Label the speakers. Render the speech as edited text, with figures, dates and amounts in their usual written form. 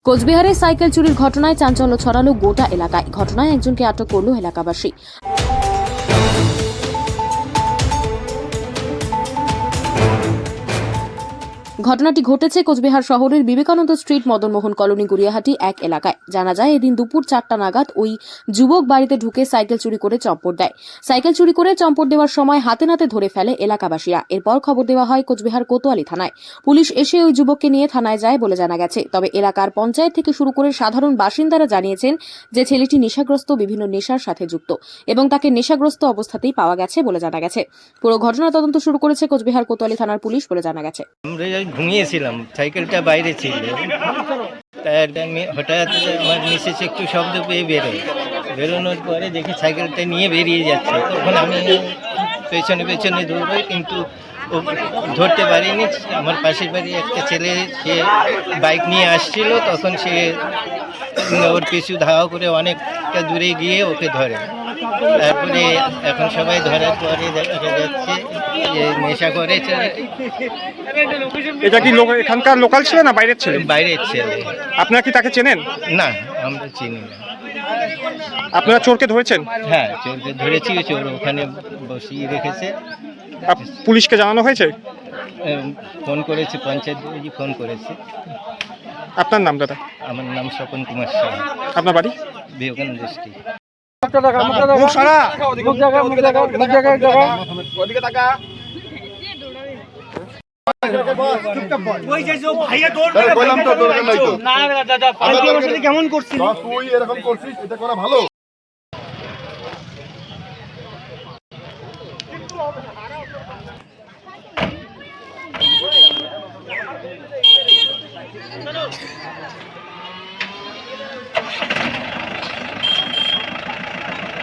Speaker 1: কোচবিহারে সাইকেল চুরির ঘটনায় চাঞ্চল্য ছড়ালো গোটা এলাকায়। ঘটনায় একজনকে আটক করল এলাকাবাসী। ঘটনাটি ঘটেছে কোচবিহার শহরের বিবেকানন্দ স্ট্রিট মদনমোহন কলোনি গুড়িয়াহাটি এক এলাকায়। জানা যায়, এদিন দুপুর 4টা নাগাদ ওই যুবক বাড়িতে ঢুকে সাইকেল চুরি করে চম্পট দেয়। সাইকেল চুরি করে চম্পট দেওয়ার সময় হাতে নাতে ধরে ফেলে এলাকাবাসীরা। এরপর খবর দেওয়া হয় কোচবিহার কোতোয়ালি থানায়। পুলিশ এসে ওই যুবককে নিয়ে থানায় যায় বলে জানা গেছে। তবে এলাকার পঞ্চায়েত থেকে শুরু করে সাধারণ বাসিন্দারা জানিয়েছেন যে ছেলেটি নেশাগ্রস্ত, বিভিন্ন নেশার সাথে যুক্ত এবং তাকে নেশাগ্রস্ত অবস্থাতেই পাওয়া গেছে বলে জানা গেছে। পুরো ঘটনা তদন্ত শুরু করেছে কোচবিহার কোতোয়ালি থানার পুলিশ বলে জানা গেছে।
Speaker 2: আমরা ঘুমিয়েছিলাম, সাইকেলটা বাইরে ছিল, তাই হঠাৎ আমার মিসেস একটু শব্দ পেয়ে বেরোনোর পরে দেখি সাইকেলটা নিয়ে বেরিয়ে যাচ্ছে। তখন আমি পেছনে পেছনে দৌড়ই, কিন্তু ও ধরতে পারিনি। আমার পাশের বাড়ি একটা ছেলে, সে বাইক নিয়ে আসছিল, তখন সে ওর পিছু ধাওয়া করে অনেকটা দূরে গিয়ে ওকে ধরে। তারপরে এখন সবাই ধরার পরে দেখা যাচ্ছে যে নেশা করেছে।
Speaker 3: এটা কি এখানকার লোকাল ছিল না বাইরের ছেলে?
Speaker 2: বাইরের ছেলে।
Speaker 3: আপনারা কি তাকে চেনেন?
Speaker 2: না, আমরা চিনি না।
Speaker 3: আপনারা চোরকে ধরেছেন?
Speaker 2: হ্যাঁ, চোরকে ধরেছি, চোর ওখানে বসিয়ে রেখেছে।
Speaker 3: পুলিশকে জানানো হয়েছে?
Speaker 2: ফোন করেছে, পঞ্চায়েত ফোন করেছে।
Speaker 3: আপনার নাম দাদা?
Speaker 2: আমার নাম স্বপন কুমার শাহ।
Speaker 3: আপনার বাড়ি?
Speaker 2: বিবেকানন্দ ডিস্ট্রিক্ট।
Speaker 4: কেমন করছিস তুই? এরকম করছিস, এটা করা ভালো।